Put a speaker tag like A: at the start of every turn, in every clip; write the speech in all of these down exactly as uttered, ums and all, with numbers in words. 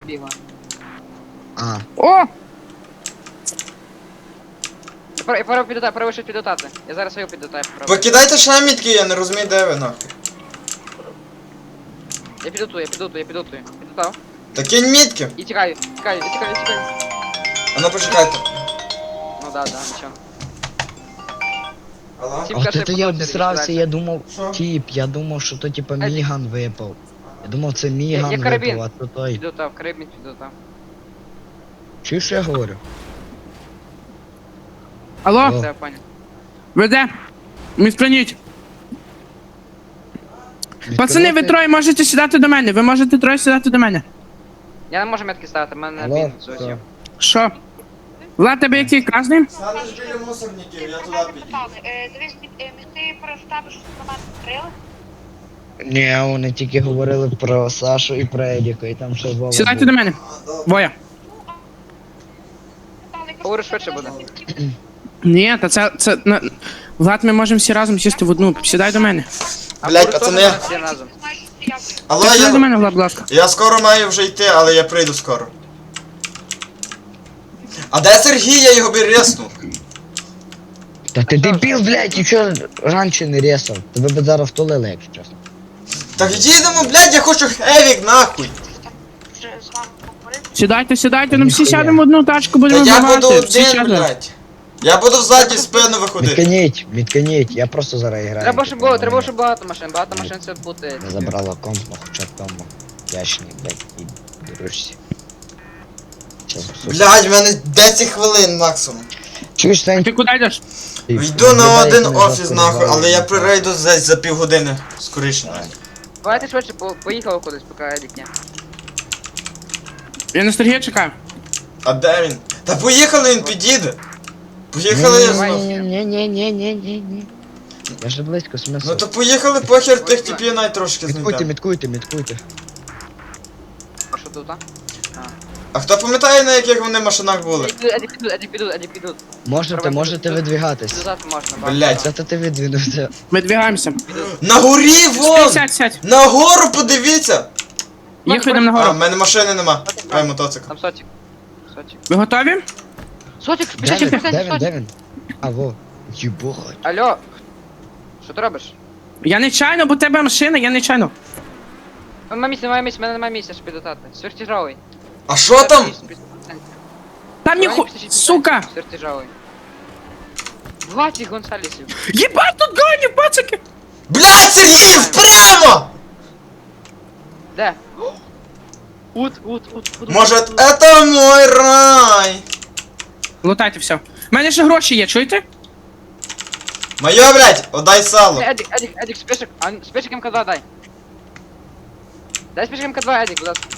A: бігла.
B: А.
C: О!
A: Я пора підота, пора вийшов підотати. Я зараз свою підотаю попробую.
D: Покидайте ще мітки, я не розумію, де ви нахуй.
A: Я підотую, я підотую, я підотую. Підотав.
D: Та кинь мітки.
A: І тікаю, тікаю, я тікаю, я тікаю.
D: А ну почекайте.
A: Ну да, да, нічого.
D: Алло?
A: Ті-
B: Ах
A: Тільки
B: ти
A: що
B: я
A: я
B: обісрався,
A: подумав,
B: я думав,
D: Що?
B: тіп, я думав, що то типа
A: Едік.
B: Міган випав. Я думав, це
A: Я-
B: Міган
A: я карабін.
B: випав, а то той.
A: Підотав, крибник підотав.
B: Чуєш, що я говорю?
C: Алло,
B: О.
A: Все, понял.
C: ви де? Міскраніть. Пацани, ви
B: Відкривати?
C: троє можете сідати до мене. Ви можете троє сідати до мене.
A: Я не можу метки ставити, в мене
B: Алло,
A: бін
B: все.
A: зовсім.
C: Що? Влад, тебе який красний?
D: Станеш біля мусорників, я туди підійду.
E: Дивись, ти проставиш автомат стріли?
B: Ні, вони тільки говорили про Сашу і про Едіка, і там ще Вова
C: Сідайте
B: був.
C: до мене. Воя.
A: Говорю, швидше буде.
C: Ні, та це, це, на... Влад, ми можемо всі разом сісти в одну. Сідай до мене.
A: А
D: Блядь,
A: говорю,
D: пацани.
A: теж всі разом.
D: Алло,
C: Ти сідай до
D: я...
C: мене, Влад, будь ласка.
D: Я скоро маю вже йти, але я прийду скоро. А де Сергій? Я його би резнув.
B: Та ти дебіл, блядь, і чого раніше не рєсав? Тебе б зараз втулили, якщо чесно.
D: Так їдемо, блядь, я хочу хевік, нахуй.
E: З вами поговорити.
C: Сідайте, сідайте, ну всі
B: Ніхуя.
C: сядемо в одну тачку,
D: Та
C: будемо
D: я буду
C: вбивати. Всі
D: один,
C: сядемо.
D: блядь. Я буду ззаді в спину виходити.
B: Відкиніть, відкиніть, я просто зараз граю.
A: Треба, щоб
B: типу,
A: було, треба,
B: мене
A: щоб багато машин, багато машин це буде.
B: Не забрала комп, ну хоча б тому. Яшні, блядь, і дуришся. Щас, сука.
D: Блядь, в мене десять хвилин максимум.
B: Чуєш, Сань?
C: Ти куди йдеш?
B: Ти
D: Йду на
B: виглядає,
D: один
B: як ми
D: офіс
B: жорстко
D: нахуй, але я
B: розвалили.
D: прийду десь за півгодини. Скоріше.
A: Давайте швидше, по- поїхали кудись, поки Едік ні.
C: Я на Сергія чекаю.
D: А де він? Та поїхали, він підійде. Поїхали я знов.
B: Ні-ні-ні-ні-ні-ні-ні. Я ж близько, смисл.
D: Ну то поїхали, похер тих типів навіть трошки
B: Міткуйте,
D: знайдемо.
B: міткуйте, міткуйте.
A: А що тут, а?
D: А хто пам'ятає, на яких вони машинах були?
A: Едік підуть, Едік підуть, Едік підуть, Едік підуть.
B: Можете,
A: Треба
B: можете
A: підуть.
B: видвігатись.
A: Підозати можна, багато.
D: Блядь.
B: Це то ти видвинувся.
C: Ми двигаємося.
D: На горі, вон!
C: Сядь, сядь.
D: На гору подивіться!
C: Їх йдемо
D: А, в
C: нагору.
D: мене машини нема. Ай, мотоцикл.
A: Там сотик. Сотик.
C: Ви готові?
A: Сотик,
B: Де
A: спіши,
B: він?
A: спіши,
B: Де він?
A: сотик.
B: Де він? А, во. Єбохать.
A: Алло. Що ти робиш?
C: Я нечайно, бо в тебе машина, я нечайно.
A: Нема місця, немає місця, мене немає місця, щоб підотати. Сверхтяжовий.
D: А що там?
C: Там ніху... Сука!
A: Сверхтяжовий. двадцять Гонсалесів.
C: Єбать, тут гані, пацики!
D: Блядь, Сергій, прямо!
A: Де? Ут, ут, ут, ут.
D: Може,
A: ут, ут.
D: это мой рай?
C: Лутайте все. У мене ще гроші є, чуєте?
D: Моє, блядь, отдай сало.
A: Едік, Едік, Едік, спешик, а, спешик МК два дай. Дай спешик МК два, Едік, будь ласка.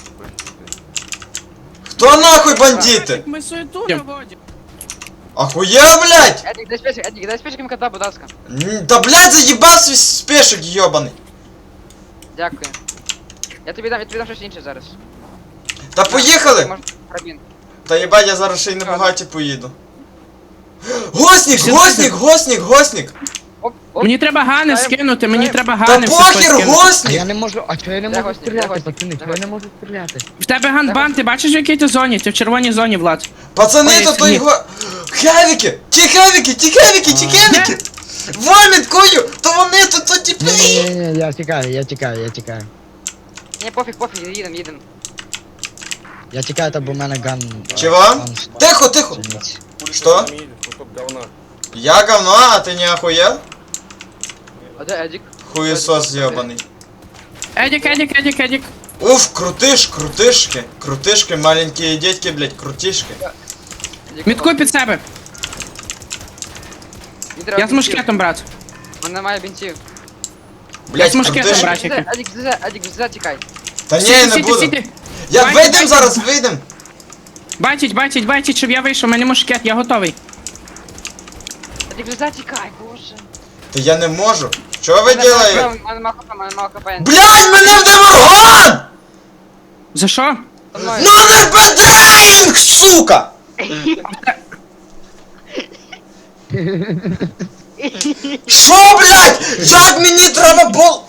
D: Хто нахуй бандити?
C: Ми суету наводимо.
D: Ахуя, блядь?
A: Едік, дай спешик, Едік, дай спешик МК два, будь ласка.
D: М, Да, блядь, заїбав свій спешик, йобаний.
A: Дякую. Я тобі дам, я тобі дам щось інше зараз.
D: Та поїхали!
A: Може, карабін.
D: Та їбать, я зараз ще й на багаті поїду. Госник, госник, госник, госник!
A: Оп, оп.
C: Мені треба гани
A: Дай-
C: скинути, мені
A: дай-
C: треба
D: Та
C: гани все
D: похер,
C: скинути.
B: А
D: госник!
B: я не можу, а чого я не
A: Де
B: можу
A: гості? Де
B: стріляти,
A: гості?
B: пацани?
A: Де
B: Чого я не
A: гості?
B: можу стріляти?
C: В тебе ганбан, ти бачиш в якій ти зоні? Ти в червоній зоні, Влад.
D: Пацани,
C: Ой,
D: то той
C: Сергій.
D: го... Хевіки! Ті хевіки, ті хевіки, ті хевіки! Воміткою! То вони, то то ті
B: Ні, ні, ні, ні, я тікаю, я тікаю, я тікаю.
A: Ні, пофіг, пофіг, їдем, їдем.
B: Я тікаю, та бо в мене ган...
D: Чого?
B: ган став.
D: Тихо, тихо!
B: Чинець.
D: Что? Я говно, а ты не охуел?
A: А де Едік?
D: Хуесос ебаный.
C: Едік, Едік, Едік, Едік.
D: Уф, крутыш, крутышки, крутышки, маленькие детки, блядь, крутишки.
A: Едік,
C: Міткуй під себе.
A: Мені треба
C: Я з
A: бінтів.
C: мушкетом, брат.
A: У мене немає бінтів.
D: Блядь,
C: з мушкетом,
D: крутышки.
C: брат. Чекай.
A: Едік, Едік, Едік, Едік, тікай.
D: Та ні,
C: Сіти,
D: не
C: сіти,
D: буду.
C: сіти.
D: Я
C: Байте,
D: вийдем
C: байте.
D: зараз, вийдем.
C: Бачить, бачить, бачить, щоб я вийшов, у мене мушкет, я готовий.
A: Едік, Едік, тікай, боже.
D: Та я не можу. Що ви
A: У
D: делаєте?
A: мене мало хп, у мене мало хп.
D: Блядь, мене вдав орган!
C: За що?
A: Со мною.
D: Номер бединг, сука! Що, блядь? Як мені треба було?